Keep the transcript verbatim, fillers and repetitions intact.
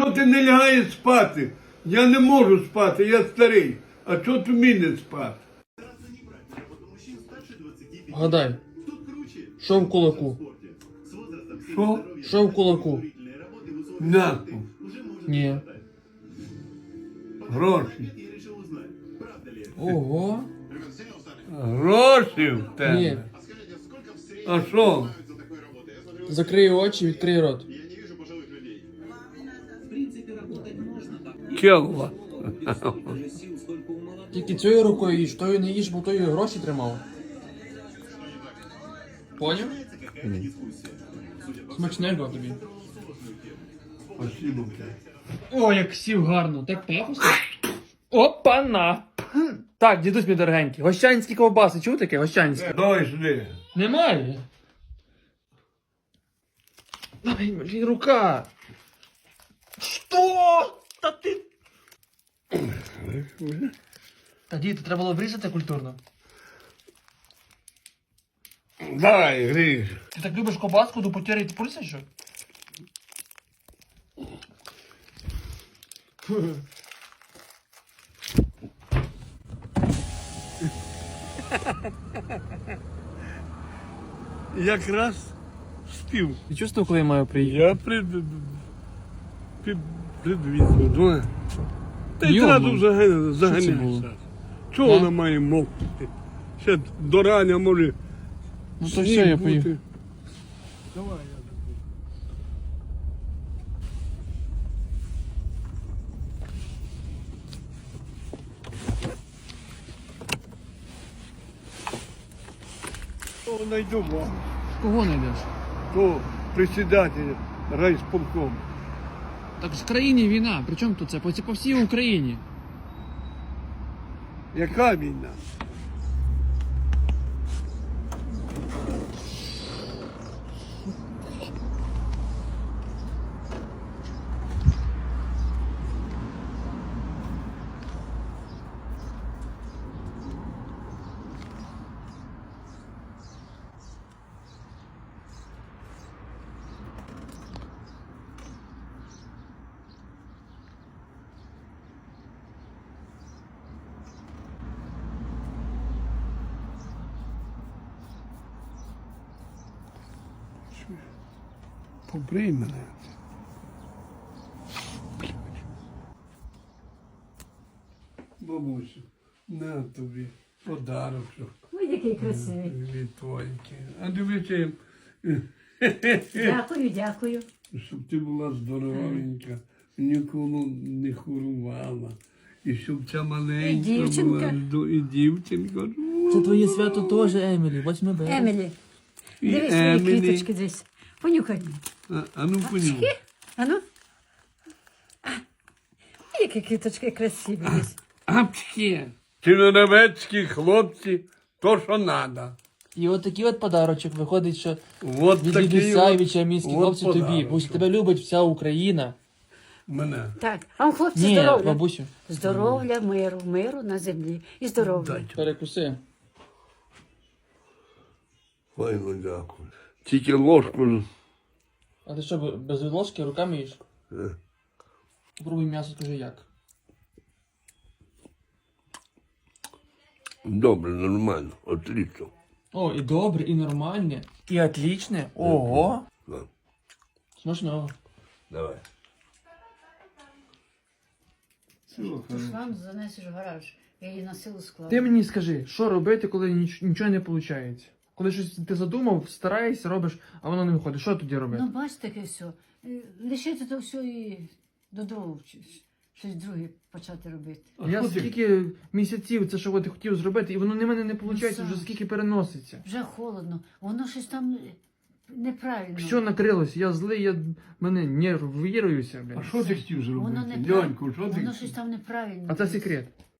чого ти не лягаєш спати? Я не можу спати, я старий. А чого ти мені спати? Гадай. Що в кулаку? Що? Що в кулаку? М'яко. Ні. Гроші. Ого. Гроші в тебе. Ні. А що? Закрий очі, відкрий рот. Чого? Тільки цією рукою їж, тою не їж, бо тою гроші тримав. Поняв? Смачненько тобі. Спасибо тебе. О, як сів гарно, так пафосно. Опа-на! Так, дідусь мій дорогенький, гощанські ковбаси, чув таке? Гощанські? Давай сюди. Немає. Ай, блін, рука. Що? Та ти... Та діти, треба було врізати культурно. Давай, гріш. Ти так любиш ковбаску до потери пульса, що? Якраз спів. Ти чувствував, коли я маю приїхати? Я прид... під... предвізу. Ну, та й Йома. одразу заган- було? заганяєшся. Чого А? вона має мовкнути? Ще до рання може. Ну то сніг все, я бути. поїхав. Давай, я забуду. То найду вам. Кого знайдеш? То председатель райсполком. Так в країні війна, при чому тут це? По, по всій Україні. Яка війна? Побрий мене. Бабусю, на тобі подарочок Ой, який красивий. від твоїки. А дивіться, Дякую, дякую. щоб ти була здоровенька, ніколи не хворувала. І щоб ця маленька І дівчинка. була, здо- і дівчинка. Це твоє свято теж, Емілі, восьме березня. Емілі, І дивись свої Емілі. квіточки десь. Понюхай. А, а ну понюхай. Ану. А, які квіточки красиві десь. Апчки. Чернівецькі хлопці, то що надо. І от такий от подарочок виходить, що Вот від такий дідуся і от- від чамійських от хлопців тобі. подарочок. Бо тебе любить вся Україна. Мене. Так, а вам хлопці Ні, здоров'я. бабусю, Здоров'я, миру, миру на землі. І здоров'я. Дайте. перекуси. Файно дякую. Тільки ложку. А ти що, без ложки руками їш? Е. Попробуй м'ясо, скажи як. Добре, нормально, отлично. О, і добре, і нормальне, і отлічне. Ого. Да. Смачного. Давай. Ти ж вам занесеш в гараж. Я її на силу складу. Ти мені скажи, що робити, коли ніч- нічого не виходить? Коли щось ти задумав, стараєшся, робиш, а воно не виходить. Що тоді робити? Ну, бачите, таке все. Е, Лишити то все і додому чи- щось друге почати робити. Я що ти? скільки місяців це що ти хотів зробити, і воно не мене не виходить, Ну, вже Саш. скільки переноситься. Вже холодно, воно щось там неправильно. Все накрилось, я злий, я мене нервуюся, А блядь. що ти хотів Воно зробити? неправильно. Льоньку, що ти Воно хотів? щось там неправильно. А це секрет.